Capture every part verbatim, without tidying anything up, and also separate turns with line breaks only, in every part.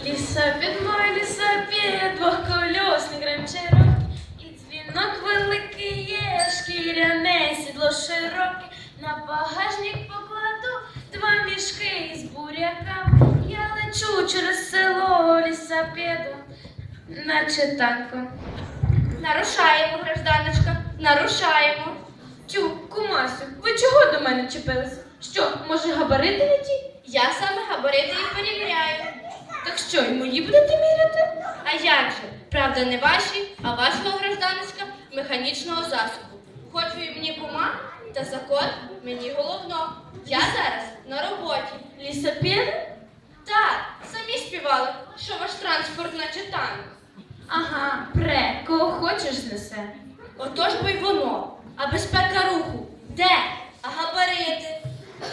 Лісапід мой, лісапід, двохкольосний гремчерок, і дзвінок великий є, шкіряне сідло широке. На багажник покладу два мішки із буряками. Я лечу через село лісапідом, наче танком.
Нарушаємо, гражданочка, нарушаємо.
Тю, кумасю, ви чого до мене чіпилися? Що, може, габарити не ті?
Я саме габарити і перевіряю.
Так що, й мої будете міряти?
А як же? Правда, не ваші, а вашого, гражданочка, механічного засобу. Хоч ви і мені кума, та закон мені головно. Я зараз на роботі.
Лісапід?
Так, самі співали, що ваш транспорт наче танк.
Ага, пре, кого хочеш знесе.
Отож бо й воно. А безпека руху де? А габарити?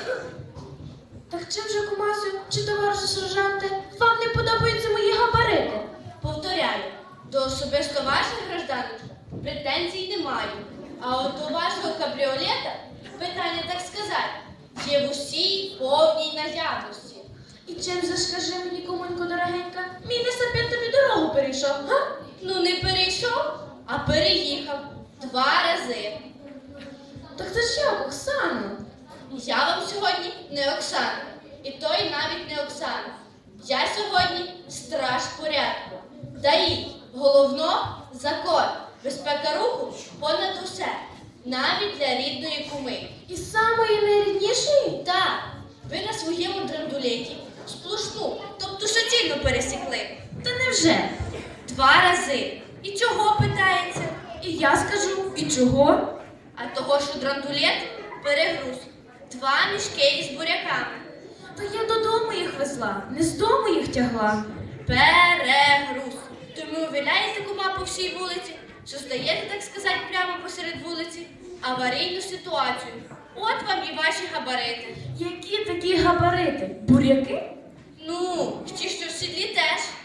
Так чим же, кумасю, чи товаришу сержанте, вам не подобаються мої габарити?
Повторяю, до особисто ваших, гражданочка, претензій не маю. А от до вашого кабріолета питання, так сказати, є в усій повній наявності.
І чим же, скажи мені, кумонько дорогенька, мій лісапід тобі дорогу перейшов, га?
Ну не перейшов, а переїхав два рази.
Так це ж як, Оксано?
Я вам сьогодні не Оксана, і той навіть не Оксана. Я сьогодні страж порядку. ДАІ, головно – закон, безпека руху понад усе, навіть для рідної куми.
І самої найріднішої?
Так, ви на своєму драндулеті сплошну, тобто суцільно пересікли.
Та невже?
Два рази. І чого, питається?
І я скажу, і чого?
А того, що драндулет перегруз. Два мішки із буряками.
Та я додому їх везла, не з дому їх тягла.
Перегруз. Тому увіляєте кума по всій вулиці, що стаєте, так сказати, прямо посеред вулиці, аварійну ситуацію. От вам і ваші габарити.
Які такі габарити? Буряки?
Ну, ті, що в сідлі теж.